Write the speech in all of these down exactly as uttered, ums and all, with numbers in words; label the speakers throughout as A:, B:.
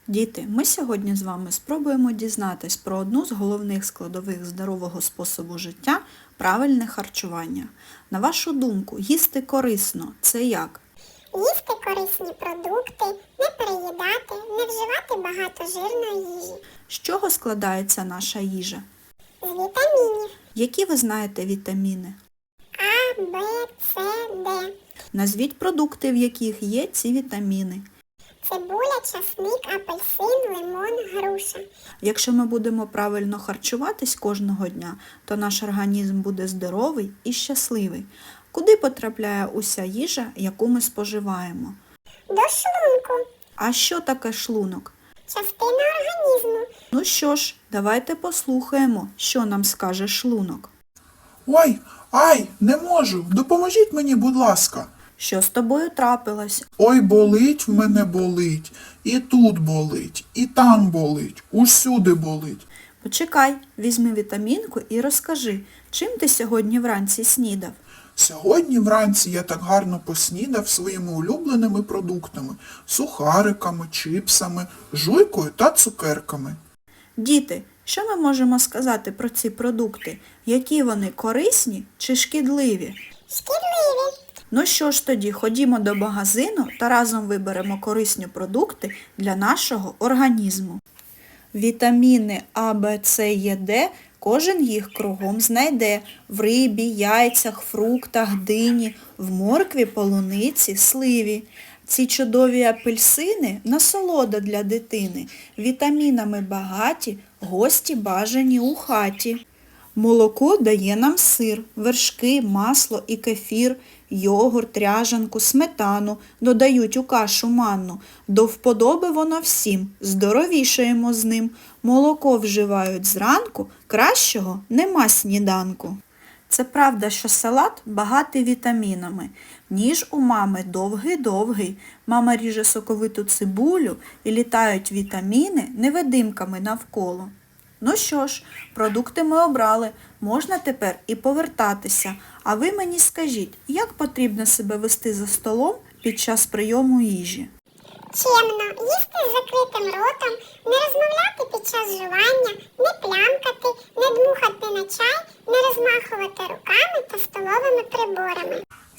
A: Діти, ми сьогодні з вами спробуємо дізнатись про одну з головних складових здорового способу життя – правильне харчування. На вашу думку, їсти корисно – це як?
B: Їсти корисні продукти, не переїдати, не вживати багато жирної їжі.
A: З чого складається наша їжа?
B: З вітамінів
A: Які ви знаєте вітаміни?
B: А, Б, С, Д.
A: Назвіть продукти, в яких є ці вітаміни.
B: Цибуля, часник, апельсин, лимон, груша.
A: Якщо ми будемо правильно харчуватись кожного дня, то наш організм буде здоровий і щасливий. Куди потрапляє уся їжа, яку ми споживаємо?
B: До шлунку.
A: А що таке шлунок?
B: Частина організму.
A: Ну що ж, давайте послухаємо, що нам скаже шлунок.
C: Ой, ай, не можу, допоможіть мені, будь ласка.
A: Що з тобою трапилось?
C: Ой, болить в мене болить, і тут болить, і там болить, усюди болить.
A: Почекай, візьми вітамінку і розкажи, чим ти сьогодні вранці снідав?
C: Сьогодні вранці я так гарно поснідав своїми улюбленими продуктами – сухариками, чипсами, жуйкою та цукерками.
A: Діти, що ми можемо сказати про ці продукти? Які вони корисні чи шкідливі?
B: Шкідливі.
A: Ну що ж тоді, ходімо до магазину та разом виберемо корисні продукти для нашого організму. Вітаміни А, Б, С, Е, Д кожен їх кругом знайде в рибі, яйцях, фруктах, дині, в моркві, полуниці, сливі. Ці чудові апельсини – насолода для дитини, вітамінами багаті, гості бажані у хаті. Молоко дає нам сир, вершки, масло і кефір, йогурт, ряжанку, сметану, додають у кашу манну. До вподоби воно всім, здоровішаємо з ним. Молоко вживають зранку, кращого нема сніданку. Це правда, що салат багатий вітамінами. Ніж у мами довгий-довгий. Мама ріже соковиту цибулю і літають вітаміни невидимками навколо. Ну що ж, продукти ми обрали, можна тепер і повертатися. А ви мені скажіть, як потрібно себе вести за столом під час прийому їжі?
B: Чемно. Їсти з закритим ротом, не розмовляти під час жування, не плямкати, не дмухати на чай, не розмахувати руками та столовими приборами.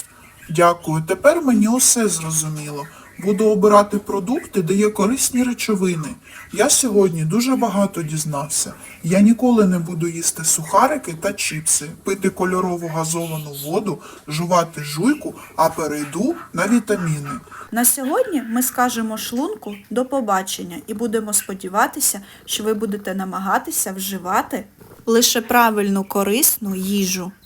C: Дякую, тепер мені усе зрозуміло. Буду обирати продукти, де є корисні речовини. Я сьогодні дуже багато дізнався. Я ніколи не буду їсти сухарики та чіпси, пити кольорову газовану воду, жувати жуйку, а перейду на вітаміни.
A: На сьогодні ми скажемо шлунку до побачення і будемо сподіватися, що ви будете намагатися вживати лише правильну корисну їжу.